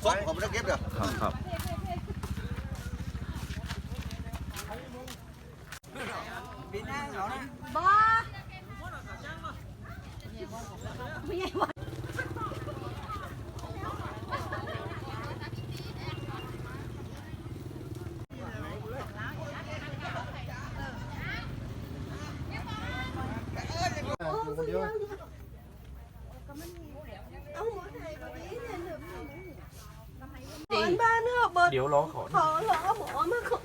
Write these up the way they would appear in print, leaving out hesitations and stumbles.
ซบผมไม่ได้เก็บเด้อครับบ้าไม่ใช่ว่าบ้านเนอะเบิร์ดเดี๋ยวร้องขอขอหมอมาขอ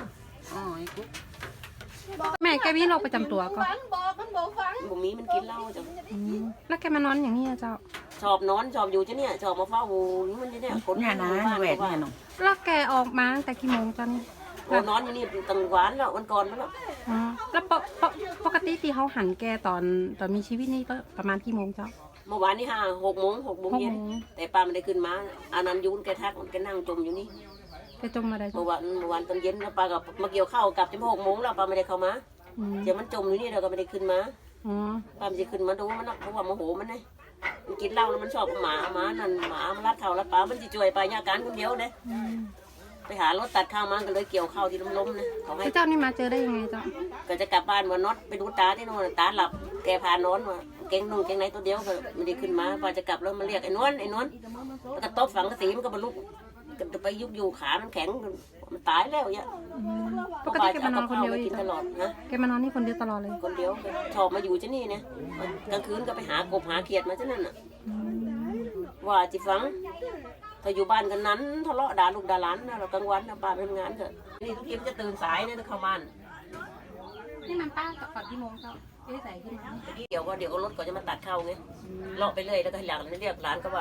แม่แกมีโรคประจำตัวก็ฟังบอกมันบอกฟังบุมีมันกินเหล้าจ้ะแล้วแกมานอนอย่างนี้อะเจ้าชอบนอนชอบอยู่จ้ะเนี่ยชอบมาเฝ้าหูมันจะเนี่ยคนเนี่ยนะแหวนเนี่ยน้องแล้วแกออกมาตั้งแต่กี่โมงจันโอ้นอนอยู่นี่ตั้งหวานแล้ววันก่อนแล้วอ๋อแล้วปกติที่เขาหันแกตอนมีชีวิตนี่ก็ประมาณกี่โมงเจ้าเมื่อวานนี่6 โมงเย็น 6 โมงแต่ป้าไม่ได้ขึ้นมาอานันยุนแกทักแกนั่งจมอยู่นี่แกจมมาได้เมื่อวานตอนเย็นแล้วป้ากับมาเกี่ยวข้าวกลับจะ6 โมงแล้วป้าไม่ได้เข้ามาเดี๋ยวมันจมอยู่นี่เราก็ไม่ได้ขึ้นมาอ๋อป้าไม่ได้ขึ้นมาดูมันเพราะว่าโมโหมันไงมันกินเหล้าแล้วมันชอบหมานั่นหมามันรัดเข่ารัดป้ามันจะช่วยไปยาการคนเดียวเลยไปหารถตัดข้าวมาก็เลยเกี่ยวข้าวที่ล้มๆนะเขาให้เจ้านี่มาเจอได้ยังไงเจ้าก็จะกลับบ้านว่าน็อตไปดูตาที่โน่นตาหลับแกพานอนว่าเก่งนุ่งเก่งไหนตัวเดียวก็ไม่ได้ขึ้นมาพอจะกลับแล้วมาเรียกไอ้นวลแล้วก็ตบฝังกระสีมันก็บรรลุจะไปยุบอยู่ขามันแข็งมันตายแล้วเนี่ยปกติแกมานอนคนเดียวกินตลอดนะแกมานอนนี่คนเดียวตลอดเลยคนเดียวชอบมาอยู่ที่นี่เนี่ยกลางคืนก็ไปหากบหาเขียดมาที่นั่นน่ะว่าจิฟังถ้าอยู่บ้านกันนั้นทะเลาะด่าลูกด่าหลานนะเรากลางวันนะป้าไปทำงานเถอะนี่ทุกทีมันจะตื่นสายเนี่ยเข้าบ้านนี่มันป้าก่อนกี่โมงเจ้าใส่ขึ้นมาเดี๋ยวรถก็จะมาตัดเข้าไงเลาะไปเรื่อยแล้วก็หลังเรียกร้านก็ว่า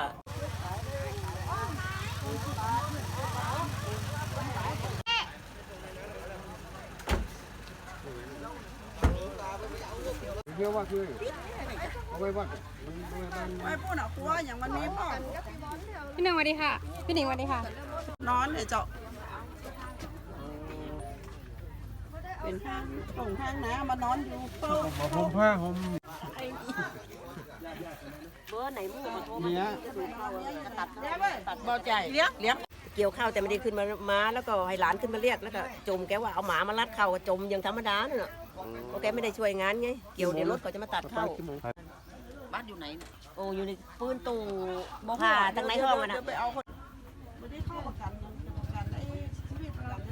เยอะว่าคือเอาไว้ว่าไม่พูดหรอกกลัวอย่างวันนี้พ่อพี่หนึ่งสวัสดีค่ะพี่หนิงสวัสดีค่ะนอนเดี๋ยวเจาะเป็นห้างส่งห้างนะมานอนอยู่เฝ้าผมผ้าผมเบอร์ไหนมึงมาโทรมาเนี่ยตัดเบาใจเลี้ยงเกี่ยวข้าวแต่ไม่ได้ขึ้นมาแล้วก็ให้หลานขึ้นมาเรียกแล้วก็จมแกว่าเอาหมามารัดเข่าก็จมอย่างธรรมดาเนี่ยโอเคไม่ได้ช่วยงานไงเกี่ยวเดี๋ยวรถก็จะมาตัดเข้าบ้านอยู่ไหนโอ้อยู่ในปืนตู้ผ่าทั้งในห้องอะนะไปเอาคนไม่ได้เข้าประกันไอ้ชีวิตประกัน